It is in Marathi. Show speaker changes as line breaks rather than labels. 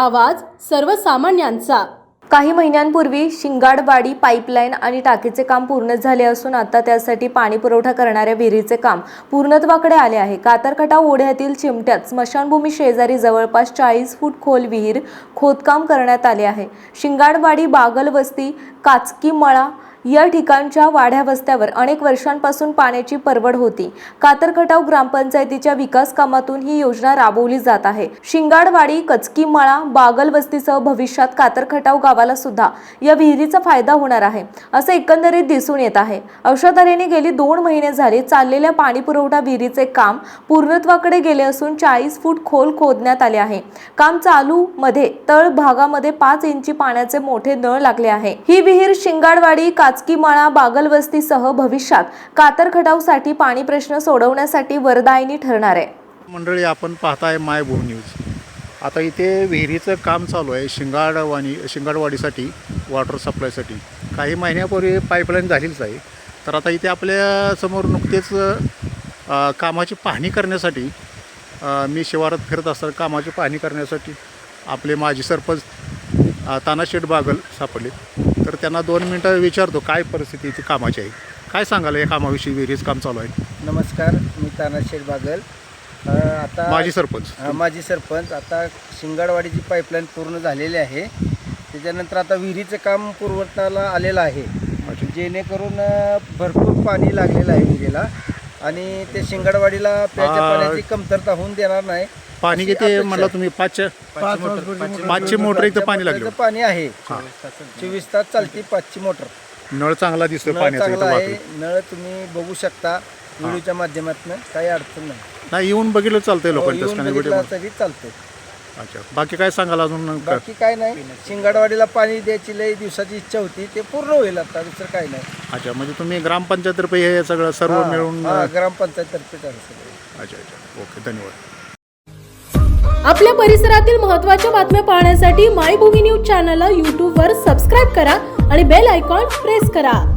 आवाज सर्वसामान्यांचा।
काही महिन्यांपूर्वी शिंगाडवाडी पाईपलाईन आणि टाकीचे काम पूर्ण झाले असून आता त्यासाठी पाणी पुरवठा करणाऱ्या विहिरीचे काम पूर्णत्वाकडे आले आहे। कातरखटाव ओढ्यातील चिमट्यात स्मशानभूमी शेजारी जवळपास 40 फूट खोल विहीर खोदकाम करण्यात आले आहे। शिंगाडवाडी बागलवस्ती काचकीमळा या ठिकाणच्या वाड्या वस्त्यावर अनेक वर्षांपासून पाण्याची परवड होती। कातरखटाव ग्रामपंचायतीच्या विकास कामातून ही योजना राबवली जात आहे। शिंगाडवाडी कचकीमळा बागलवस्तीसह भविष्यात कातरखटाव गावाला सुद्धा या विहिरीचा फायदा होणार आहे असे एकंदरीत दिसून येत आहे। अशा तऱ्हेने गेली 2 महिने झाले चाललेल्या पाणी पुरवठा विहिरीचे काम पूर्णत्वाकडे गेले असून 40 फूट खोल खोदण्यात आले आहे। काम चालू मध्ये तळ भागामध्ये 5 इंची पाण्याचे मोठे नळ लागले आहे। ही विहीर शिंगाडवाडी काचकीमळा बागलवस्तीसह भविष्यात कातरखटावसाठी पाणी प्रश्न सोडवण्यासाठी वरदायिनी ठरणार आहे।
मंडळी, आपण पाहताय मायभूमी न्यूज। आता इथे विहिरीचं काम चालू आहे शिंगाडवाडीसाठी वॉटर सप्लायसाठी। काही महिन्यापूर्वी पाईपलाईन झालीच आहे। तर आता इथे आपल्या समोर नुकतेच कामाची पाहणी करण्यासाठी मी शिवारात फिरत असताना कामाची पाहणी करण्यासाठी आपले माजी सरपंच तानाशेठ बागल सापडले। तर त्यांना 2 मिनटं विचारतो काय परिस्थिती इथे कामाची आहे, काय सांगाल या कामाविषयी? विहिरीचं काम चालू आहे।
नमस्कार, मी तानाशेठ बागल, आता
माजी सरपंच।
माजी सरपंच। आता शिंगाडवाडीची पाईपलाईन पूर्ण झालेली आहे। त्याच्यानंतर आता विहिरीचं काम पूर्वताला आलेलं आहे, जेणेकरून भरपूर पाणी लागलेलं आहे विहिरीला आणि ते शिंगाडवाडीला प्याच्या पाण्याची कमतरता होऊन देणार नाही।
पाणी किती म्हणला तुम्ही? 5ची मोटर इथं पाणी लागलं।
पाणी आहे 24 तास चालती 5ची मोटर।
नळ चांगला दिसतो पाण्याचा
चांगला आहे। नळ तुम्ही बघू शकता व्हिडिओच्या माध्यमातून, काही अडचण
नाही। येऊन बघितलं चालतंय लोकांना
तरी चालतंय।
अच्छा, बाकी काय सांगाल अजून?
बाकी काय नाही, शिंगाडवाडीला पाणी द्यायची लई दिवसाची इच्छा होती, ते पूर्ण होईल आता, दुसरं काय नाही।
अच्छा, म्हणजे तुम्ही ग्रामपंचायततर्फे हे सगळं सर्व मिळून?
ग्रामपंचायततर्फे सगळं।
अच्छा, ओके, धन्यवाद।
आपल्या परिसरातील महत्त्वाच्या बातम्या पाहण्यासाठी मायभूमी न्यूज चॅनलला YouTube वर सबस्क्राइब करा आणि बेल आयकॉन प्रेस करा।